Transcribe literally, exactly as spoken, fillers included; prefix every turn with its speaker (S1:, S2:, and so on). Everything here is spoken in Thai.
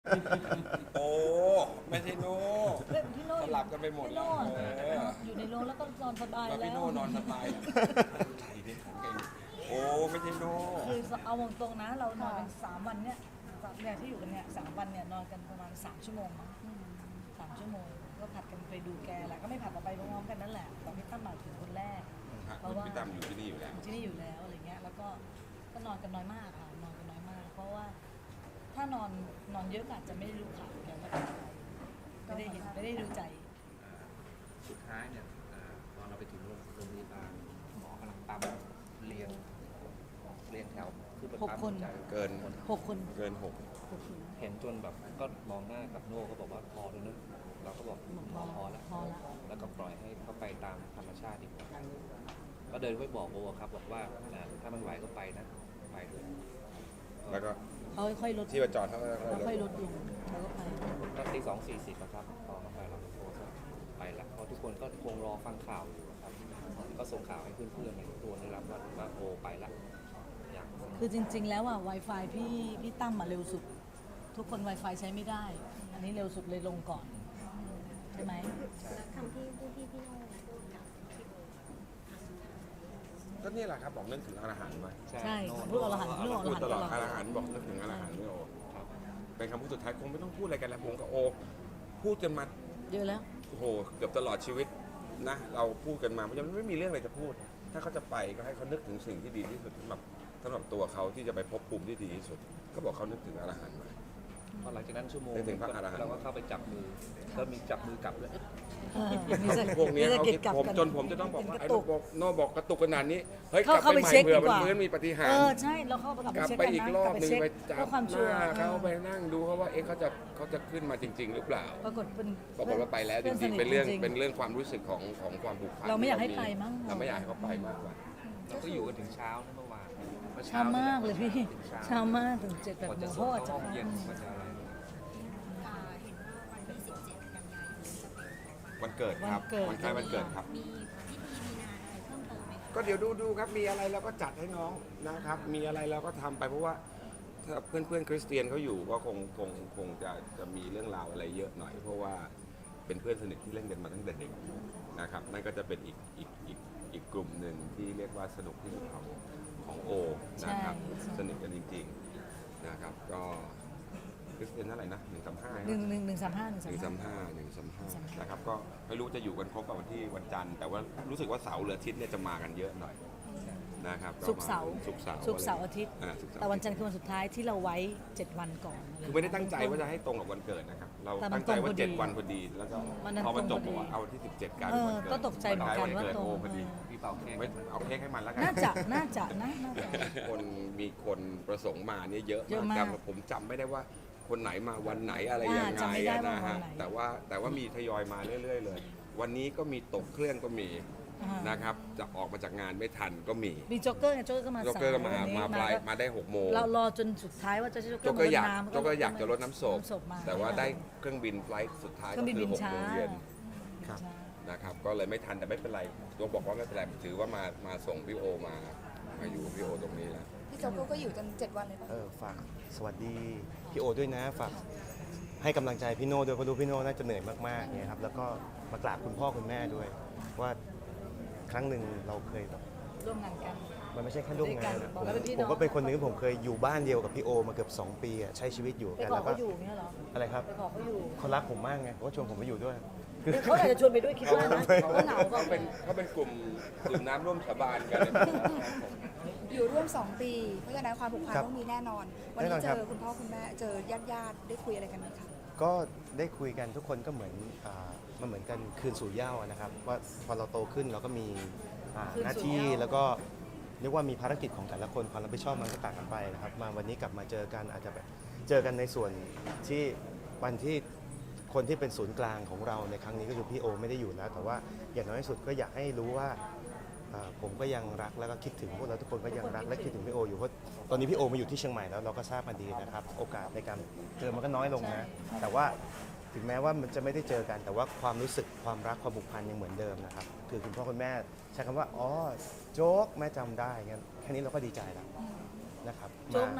S1: โอ้ไม่ใช่โน่
S2: เล่นพี่โน่
S1: สลับกันไปหมด
S2: พี่
S1: แล้
S2: โน่
S1: วเออ
S2: อยู่ในโรงแล้วก็นอนสบาย
S1: มา
S2: แล้
S1: พี่
S2: ว
S1: โน่นอนสบายอะใช่ดิของเก่งโอ้ไม่ใช่โน่
S2: คือเอาตรงๆนะเรานอนกันสามวันเนี่ยเนี่ยที่อยู่กันเนี่ยสามวันเนี่ยนอนกันประมาณสามชั่วโมงมั้งสามชั่วโมงก็ผัดกันไปดูแกแหละก็ไม่ผัดกันไปพร้อมๆกันนั่นแหละตอนพี่ตั้มมาถึงคนแรก
S1: ฮะ
S2: เพราะว่า
S1: พี่ตั้มอยู่ที่นี่อยู่แล้ว
S2: ที่นี่อยู่แล้วอะไรเงี้ยแล้วก็ก็นอนกันน้อยมากค่ะนอนกันน้อยมาก เพราะว่าถ้านอนนอนเยอะก็อาจจะไม่ได้รู้ข่าวแกว่าเป็นอะไรไม่ได้เห็นไม่ได้ดูใจ
S3: สุดท้ายเนี่ยตอนเราไปถึงโรงพยาบาลหมอกำลังปั๊มเรียงเรียงแถวคือเป็นปั๊ม
S2: หกคน
S3: หัวใจ
S1: เกิน
S2: หกคน
S1: เกินหก
S2: หกคน
S3: เห็นจนแบบก็มองหน้ากับโน่ก็บอกว่าพอแล้วนะเราก็บอก
S2: บอก
S3: พ
S2: พ
S3: อ
S2: อ
S3: พอแล้ว
S2: พอแล้ว
S3: แล้วก็ปล่อยให้เขาไปตามธรรมชาติดีกว่าก็เดินไปบอกโบครับบอกว่าอ่าถ้ามันไหวก็ไปนะไปเลย
S1: แล้วก็
S2: เขาค่อยๆลด
S1: ที่ประจอดเขาก็
S2: เขาค่อยๆลดลงแล้วก็ไป
S3: ก็ตีสองสี่สิบครับพอเขาไปเราก็โทรก็ไปละเพราะทุกคนก็คงรอฟังข่าวอยู่ครับก็ส่งข่าวให้เพื่อนๆในตัวได้รับว่าว่าโบไปละอย่าง
S2: คือจริง ๆ แล้วอ่ะ Wi-Fi พี่พี่ตั้มมาเร็วสุด ทุกคน Wi-Fi ใช้ไม่ได้ อันนี้เร็วสุดเลยลงก่อน ใช่ไหม
S4: แล้วคำที่พูดที่พี่โน่พูดกับพี่โบ
S1: ก็นี่แหละครับบอกนึกถึงอาหารไว้
S2: ใช่
S3: โน่
S2: พูดอรหันต์พูดอร
S1: พูด
S2: หันต์
S1: ตลอด
S2: ตลอด
S1: อาหารบอกนึกถึงอาหารไม่โอ
S3: ครับ
S1: เป็นคำพูดสุดท้ายคงไม่ต้องพูดอะไรกันแล้วผมกับโอพูดกันมา
S2: เยอะแล้ว
S1: โอ้โหเกือบตลอดชีวิตนะเราพูดกันมาเพราะฉะนั้นไม่มีเรื่องอะไรจะพูด ถ้าเขาจะไปก็ให้เขานึกถึงสิ่งที่ดีที่สุดสำหรับสำหรับตัวเขาที่จะไปพบภูมิที่ดีที่สุด ก็บอกเขานึกถึงอาหารมา
S3: พอหลังจากนั้นชั่วโมง
S1: นึกถึงพระอรหันต์
S3: เราก็เข้าไปจับมือก็มีจับมือกลับเลย
S2: เออมีสะ
S1: พวกนี้
S2: มีสะ
S1: เขา
S2: กิด
S1: คิด
S2: กลับ
S1: ผม
S2: กัน
S1: จนผมจะต้องบอกว่า
S2: เป็น
S1: ไอ้
S2: กระ
S1: โน
S2: ตุก
S1: บอกโนบอกกระตุกขนาดนี้เฮ้ยก
S2: เข้า
S1: ลับ
S2: เข้า
S1: ไป
S2: ไป
S1: ใหม่
S2: เช็ค
S1: เผื่อ
S2: ดี
S1: มัน
S2: กว่า
S1: ฟื้นมีปฏิหาร
S2: เอ
S1: ย์
S2: อใช่เราเข้าไปกลับ
S1: ก
S2: ไป
S1: ลับ
S2: เช็ค
S1: ไป
S2: กัน
S1: อีก
S2: นะ
S1: รอก
S2: ลั
S1: บบ
S2: ไป
S1: หนึ่ง
S2: เช็ค
S1: ไปจั
S2: เพื่
S1: บ
S2: อความ
S1: ห
S2: ชัวร์
S1: น้าเขาไปนั่งดูเขาว่าเอ๊ะเขาจะเขาจะขึ้นมาจริง ๆ หรือเปล่า
S2: ปรากฏเป็น
S1: ปรากฏว่าไปแล้วจ
S2: พื่
S1: ริง
S2: ส
S1: ๆ
S2: ท
S1: เป็นเรื่อง
S2: จๆ
S1: เป็นเรื่องความรู้สึกของของความผูกพัน
S2: เราไม่อยากให้ไปมั้ง
S1: เราไม่อยากให้เขาไปมากกว่า
S3: เราก็อยู่กันถึงเช้านะเมื่อวานเมื่อ
S2: เช้ามากเลยพี่
S3: ถึง
S2: เช้ามากถึงเจ็ดแปด
S3: กว่า
S2: โม
S3: จะ
S2: ง
S3: ส่
S2: พ่
S3: ง
S2: อ
S3: เข้า
S2: จะ
S3: ห้องเย็นกว่าจะอะไร
S4: อ่าเห็นว่าวันที่สิบเจ็ดกันยายนจะเป็นของ
S1: วันเกิดครับวันคล้ายวันเกิดครับ
S4: มีพิธีมีงานอะไรเพิ่มเติมไหมคะ
S1: ก็เดี๋ยวดูดูครับมีอะไรเราก็จัดให้น้องนะครับ มีอะไรเราก็ทำไปเพราะว่าถ้าเพื่อนเพื่อนๆคริสเตียนเขาอยู่ก็คงคงคงจะจะมีเรื่องราวอะไรเยอะหน่อย เพราะว่าเป็นเพื่อนสนิทที่เล่นกันมาตั้งแต่เด็กนะครับนั่นก็จะเป็นอีกอีกอีกอีกกลุ่มหนึ่งที่เรียกว่าสนุกที่สุดของของโอนะครับ
S2: ใช่
S1: สนิทกันจริงๆนะครับก็คริสเตียนเท่าไหร่นะหนึ่งสามห้า
S2: หนึ่งหนึ่งหนึ่งสามห้าหนึ่ง
S1: หนึ่ง
S2: สา
S1: สาม ม
S2: ห้า
S1: ห้าหนึ่งสามห้านะครับก็ไม่รู้จะอยู่กันครบกับวันที่วันจันทร์แต่ว่ารู้สึกว่าเสาร์หรืออาทิตย์เนี่ยจะมากันเยอะหน่อยนะครับ
S2: ศุกร์เสาร์
S1: ศุกร์เสาร์
S2: ศุกร์เสาร์อาทิตย์
S1: อ่าศุกร์เสาร์
S2: แต่วันจันทร์คือวันสุดท้ายที่เราไว้เจ็ดวันก่อน
S1: คือไม่ได้ตั้งใจว่าจะให้ตรงกับวันเกิดนะครับเรา
S2: แต่มัน
S1: ตั้งใจว่า
S2: ตรงพอดี
S1: เจ็ดวันพอดีแล้วก็
S2: วันนั้น
S1: พอมันจบ
S2: ตรงพอดี
S1: บอกว่าเอาวันที่สิบเจ็ดกลาย
S2: เอ
S1: เป็น
S2: อ
S1: วันเกิด
S2: ก็ตกใจเหมือนกันว่า
S1: เกิด
S2: ตรง
S1: โอพอดี
S3: พี่เป่าเค้ก
S1: ไม่เอาเค้กให้มันแล้วกัน
S2: น่าจะน่าจะนะน่าจะ
S1: คนมีคนประสงค์มาเนี่ยเยอะ
S2: เยอะ
S1: มาก
S2: มาก
S1: แต่ผมจำไม่ได้ว่าคนไหนมาวันไหนอะไร
S2: อ่า
S1: ยังไง
S2: จำไม่ได้
S1: อะ
S2: ว่า
S1: นะ
S2: วั
S1: ฮะ
S2: นไหน
S1: แต่ว่าแต่ว่ามีทยอยมาเรื่อย ๆ เลย วันนี้ก็มีตกเครื่องก็มี
S2: อ่าน
S1: นะครับจะออกมาจากงานไม่ทันก็มี
S2: มีโจ๊กเกอร์ไงโจ๊กเกอร์ก็มา
S1: โจ๊กเกอร์ก็มา
S2: สยวันนี้
S1: มาปลาย
S2: ก็
S1: มาได้หกโมง
S2: เรารอจนสุดท้ายว่าจะโจ๊กเกอ
S1: โจ๊ก
S2: ร์
S1: เกอร์อยาก
S2: มา
S1: โจ๊กเกอร์อยากจะลดน้ำศพ
S2: มา
S1: แต่ว่าได้เครื่องบินไฟลท์สุดท้าย
S2: เครื่
S1: ก็
S2: องบิน
S1: คื
S2: บิ
S1: อน หก
S2: ช้า
S1: โมงเย็น
S2: ช้า
S1: นะครับก็เลยไม่ทันแต่ไม่เป็นไรตัวบอกว่าไม่เป็นไรถือว่ามามาส่งพี่โอมามาอยู่กับพี่โอตรงนี้แล้ว
S5: พี่โจ๊กก็อยู่จนเจ็ดวันเลยป่ะ
S6: เออฝากสวัสดีพี่โอด้วยนะฝากให้กำลังใจพี่โน่ด้วยเพราะรู้พี่โน่น่าจะเหนื่อยมากๆเนี่ยครับแล้วก็มากราบคุณพ่อคุณแม่ด้วย ว่าครั้งหนึ่งเราเคยแบบ
S2: ร่วมงานกัน
S6: มันไม่ใช่แค่ร่วมงาน
S2: ด้วยกั
S6: อะ
S2: น
S6: ผม
S2: แล้วเป็นพี่
S6: ผม
S2: น้อง
S6: ก็เป็นคนหนึ่งที่ผมเคยอยู่บ้านเดียวกับพี่โอมาเกือบสองปีอะใช้ชีวิตอยู่
S2: ไป
S6: กัน
S2: ขอ
S6: แล้วก็
S2: เขาอยู่เนี่ยเหรอ
S6: อะไรครับ
S2: ไปขอเขาอยู่
S6: เขารักผมมากไงเขาก็ชวนผมไปอยู่ด้วย
S2: เขาอาจจะชวนไปด้วยคิดว่านะเขาเหงา
S1: เขา
S2: เขา
S1: เป็นเขาเป็นกลุ่มดื่มน้ำร่วมสาบานกัน
S5: อยู่ร่วมสองปี เพราะฉะนั้นความผูกพัน
S6: ครับ
S5: ต้องมีแน่นอน วัน
S6: แน่น
S5: นี้
S6: อน
S5: เจ
S6: ครับ
S5: อคุณพ่อคุณแม่เจอญาติญาติๆได้คุยอะไรกันไหมคะ
S6: ก็ได้คุยกันทุกคนก็เหมือนอ่ามันเหมือนกันคืนสู่เหย้าอะนะครับว่าพอเราโตขึ้นเราก็มีอ่าหน้าที่แล้วก็เรียกว่ามีภารกิจของแต่ละคนความรับผิดชอบมันก็ต่างกันไปนะครับมาวันนี้กลับมาเจอกันอาจจะแบบเจอกันในส่วนที่วันที่คนที่เป็นศูนย์กลางของเราในครั้งนี้ก็คือพี่โอไม่ได้อยู่แล้ว แต่ว่าอย่างน้อยที่สุดก็อยากให้รู้ว่าอ่าผมก็ยังรักแล้วก็คิดถึงพวกเราทุกคนก็ยังรักและคิดถึงพี่โออยู่เพราะตอนนี้พี่โอมาอยู่ที่เชียงใหม่แล้วเราก็ทราบมาดีนะครับโอกาสในการเจอมันก็น้อยลงนะแต่ว่าถึงแม้ว่ามันจะไม่ได้เจอกัน แต่ว่าความรู้สึกความรักความผูกพันยังเหมือนเดิมนะครับคือคุณพ่อคุณแม่ใช้คำว่าอ๋อโจ๊กแม่จำได้งั้นแค่นี้เราก็ดีใจแล้วนะครับ
S2: โจ๊ก
S6: มา
S2: นะ